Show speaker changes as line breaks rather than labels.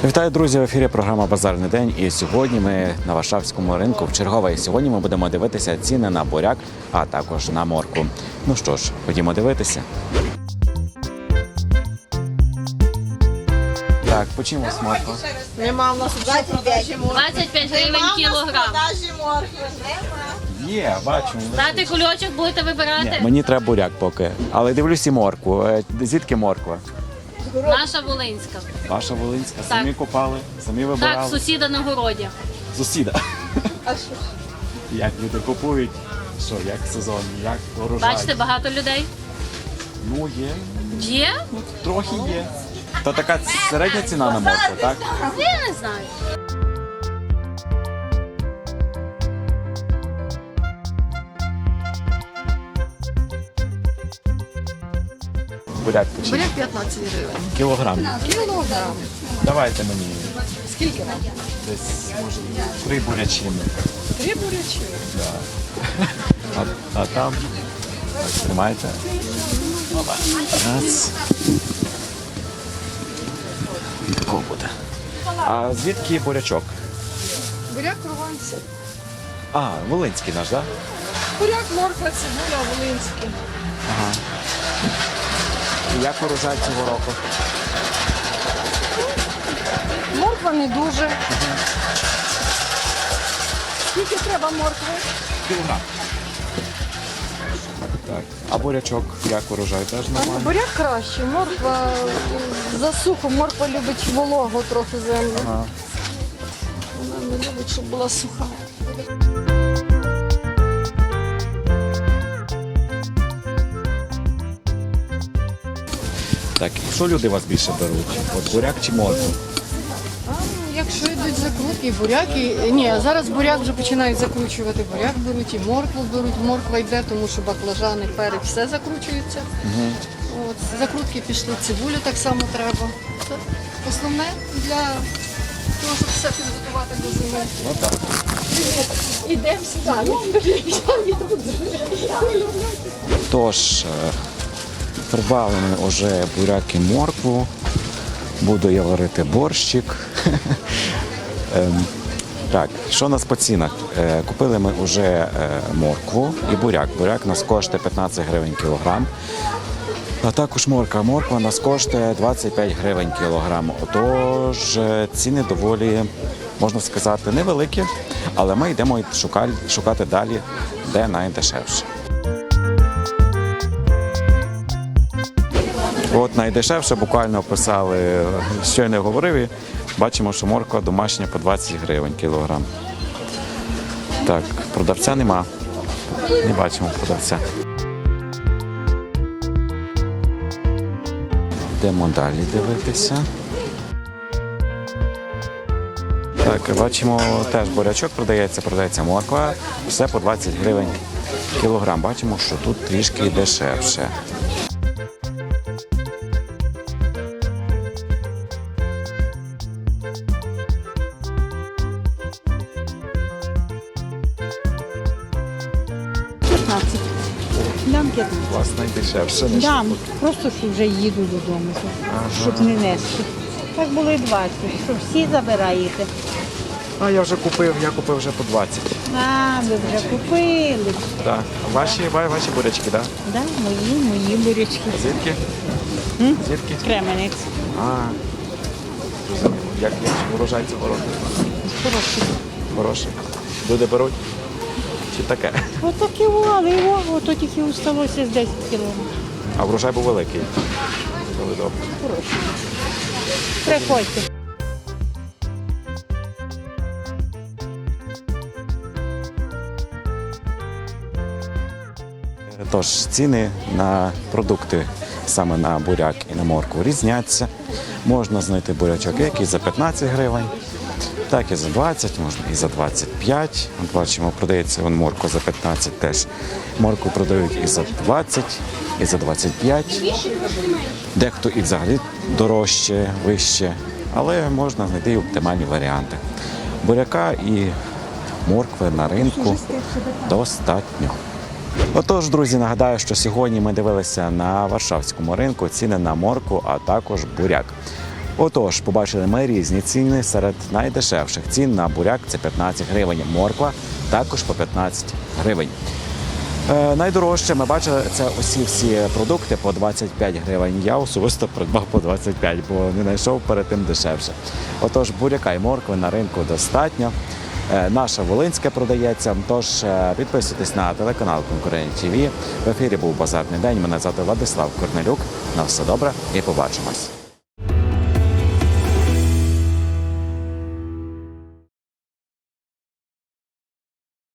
Вітаю, друзі! В ефірі програма «Базарний день». І сьогодні ми на Варшавському ринку в чергове. І сьогодні ми будемо дивитися ціни на буряк, а також на моркву. Ну що ж, ходімо дивитися. Так, по чому морква?
Нема в нас 25
25 гривень кілограм.
Є, бачу.
Дати кульочок будете вибирати?
Ні, мені треба буряк поки. Але дивлюсь і моркву. Звідки морква?
Наша Волинська.
Ваша волинська.
Так.
Самі копали, самі вибирали.
Так, сусіда на городі.
Сусіда. Як люди купують? Що, як сезон, як урожай?
Бачите, багато людей.
Ну, є.
Є?
Трохи є. То така середня ціна на моркву, так?
Я не знаю.
Буряк почти.
Буряк 15 гривень.
Кілограм.
Кілограм.
Давайте мені
Скільки вам?
десь, може, 3 бурячини.
3 бурячі.
А там, так, тримайте. Опа. Раз. І такого буде. А звідки бурячок?
Буряк прованці.
А, волинський наш, так?
Буряк, морква, цибуля, волинський.
Як урожай цього року?
Морква не дуже. Скільки треба моркви?
Кілограм. Так. А бурячок, як урожай, теж нормально?
Буряк краще. Морква засуху. Морква любить вологу трохи землю.
Ага.
Вона не любить, щоб була суха.
Так, і що люди вас більше беруть? От буряк чи моркву?
Якщо йдуть закрутки, буряки. Ні, зараз буряк вже починають закручувати. Буряк беруть і моркву беруть. Морква йде, тому що баклажани, перець, все закручується. От, закрутки пішли, цибулю так само треба. Це основне для того, щоб все підготувати до зими.
Ну так.
Ідемо сюди.
Тож, придбали ми вже буряк і моркву. Буду я варити борщик. Так, що у нас по цінах? Купили ми вже моркву і буряк. Буряк у нас коштує 15 гривень кілограм. А також морква. Морква у нас коштує 25 гривень кілограм. Отож, ціни доволі, можна сказати, невеликі, але ми йдемо шукати далі, де найдешевше. От найдешевше буквально описали, що я не говорив, і бачимо, що морква домашня по 20 гривень кілограм. Так, продавця нема. Не бачимо продавця. Йдемо далі дивитися. Так, бачимо, теж бурячок продається морква. Все по 20 гривень кілограм. Бачимо, що тут трішки дешевше.
Дам 15.
У вас найдешевше, ніж
Дам. Просто що вже їду додому, щоб не нести. Так було і 20, що всі забираєте.
А я купив вже по 20.
А, ви вже купили.
Так. Ваші бурячки, так?
Да, мої бурячки.
Звідки? Звідки?
Кременець.
А, зрозуміло. Як урожай цього року?
Хороший.
Хороший. Люди беруть? Чи таке?
Отакі але ото тільки усталося з 10 кілометрів.
А врожай був великий. Коли добре.
Хороший. Приходьте.
Тож, ціни на продукти, саме на буряк і на моркву, різняться. Можна знайти бурячок як і за 15 гривень, так і за 20, можна і за 25. От бачимо, продається морква за 15 теж. Моркву продають і за 20, і за 25. Дехто і взагалі дорожче, вище, але можна знайти і оптимальні варіанти. Буряка і моркви на ринку достатньо. Отож, друзі, нагадаю, що сьогодні ми дивилися на Варшавському ринку ціни на моркву, а також буряк. Отож, побачили ми різні ціни. Серед найдешевших цін на буряк це 15 гривень. Морква також по 15 гривень. Найдорожче ми бачили це всі продукти по 25 гривень. Я особисто придбав по 25, бо не знайшов перед тим дешевше. Отож, буряка і моркви на ринку достатньо. Наша Волинське продається. Тож підписуйтесь на телеканал Конкурент ТВ. В ефірі був Базарний день. Мене звати Владислав Корнелюк. На все добре і побачимось.